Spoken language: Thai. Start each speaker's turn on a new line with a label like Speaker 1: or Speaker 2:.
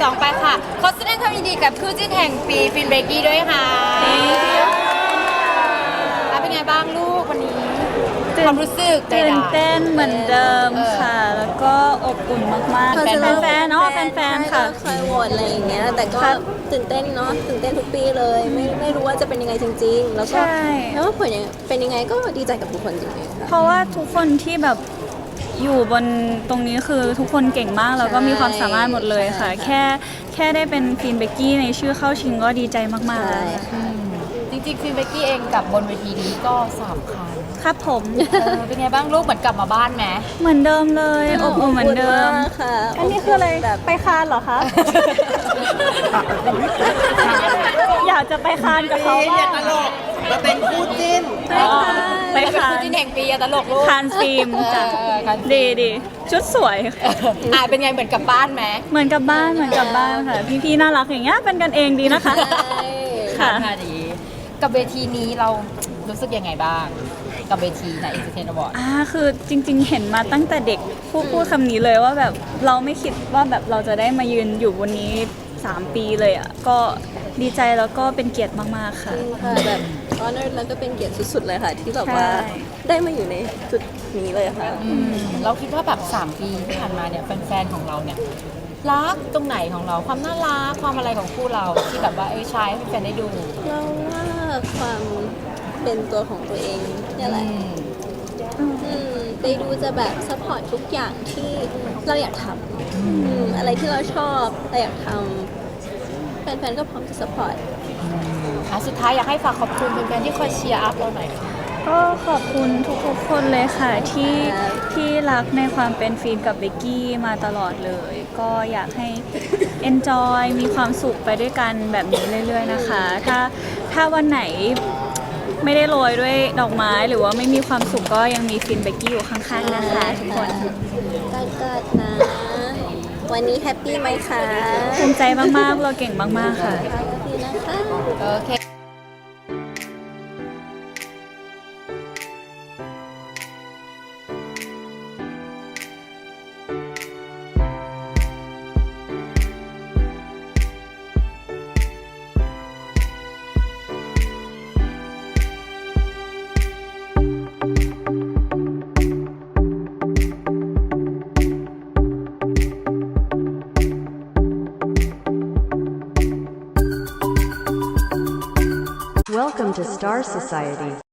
Speaker 1: 2ไปค่ะขอแสดงความยินดีกับคู่จิ้นแห่งปีฟินเบกกี้ด้วยค่ะเป็นไงบ้างลูกวันนี้ความรู้สึก
Speaker 2: ตื่นเต้นเหมือนเดิมค่ะ แล้วก็อบอุ่นมากๆแฟนๆเนาะแฟนๆค่ะ
Speaker 3: คอยโหวตอะไรอย่างเงี้ยแต่ก็ตื่นเต้นเนาะตื่นเต้นทุกปีเลยไม่รู้ว่าจะเป็นยังไงจริงๆแล้วก็แล้วผลเป็นยังไงก็ดีใจกับทุกคนจริงๆค่ะ
Speaker 2: เพราะว่าทุกคนที่แบบอยู่บนตรงนี้คือทุกคนเก่งมากแล้วก็มีความสามารถหมดเลยค่ะแค่ได้เป็นฟินเบกกี้ในชื่อเข้าชิงก็ดีใจมากๆ
Speaker 1: จริงๆฟินเบกกี้เองกับบนเวทีนี้ก็3 ครั้ง
Speaker 2: ครับผม
Speaker 1: เป็นไงบ้างลูกเหมือนกลับมาบ้านไหม
Speaker 2: เหมือนเดิมเลยอบอุ่นเหมือนเดิม
Speaker 3: ค่ะ
Speaker 2: อันนี้คืออะไรไปคานเหรอคะอยากจะไปคานกับเขาบ้าง
Speaker 4: เราเป็นคู่จิ้น
Speaker 2: ไปคาน
Speaker 1: คู่จิ้นแห่งปีตลกลูก
Speaker 2: คานฟิล์มจ้ะดีชุดสวย
Speaker 1: เป็นไงเหมือนกลับบ้านไหม
Speaker 2: เหมือนกับบ้านค่ะพี่ๆน่ารักอย่างเงี้ยเป็นกันเองดีนะคะ
Speaker 1: ค่ะดีกับเวทีนี้เรารู้สึกยังไงบ้างกับเวทีใน Entertain Award
Speaker 2: คือจริงๆเห็นมาตั้งแต่เด็กพูดคำนี้เลยว่าแบบเราไม่คิดว่าแบบเราจะได้มายืนอยู่บนนี้3 ปีเลยอ่ะก็ดีใจแล้วก็เป็นเกียรติมากๆค่ะ
Speaker 3: แบบ honor แล้วก็เป็นเกียรติสุดๆเลยค่ะที่แบบว่าได้มาอยู่ในจุดนี้เลยค่ะ
Speaker 1: เราคิดว่าแบบ3 ปีที่ผ่านมาเนี่ยแฟนๆของเราเนี่ยรักตรงไหนของเราความน่ารักความอะไรของคู่เราที่แบบว่าใช้ให้แฟนได้ดู
Speaker 3: เราว่าความเป็นตัวของตัวเองนี่แหละไปดูจะแบบซัพพอร์ตทุกอย่างที่เราอยากทำอะไรที่เราชอบเราอยากทำแฟนๆก็พร้อมจะซัพพอร์ต
Speaker 1: สุดท้ายอยากให้ฝากขอบคุณแฟนๆที่คอยเชียร์อัพเราหน่อยค่ะ
Speaker 2: ก็ขอบคุณทุกๆคนเลยค่ะที่รักในความเป็นฟีนกับเบกกี้มาตลอดเลยก็อยากให้ enjoy มีความสุขไปด้วยกันแบบนี้เรื่อยๆนะคะถ้าวันไหนไม่ได้โรยด้วยดอกไม้หรือว่าไม่มีความสุขก็ยังมีฟินเบกกี้อยู่ข้างๆนะคะทุกคน
Speaker 3: กัดนะวันนี้แฮปปี้ไหมคะ
Speaker 2: ภูมิใจมากๆเราเก่งมากๆค่ะ
Speaker 3: แฮปปี้นะคะ
Speaker 1: โอเค
Speaker 5: Welcome to Star Society.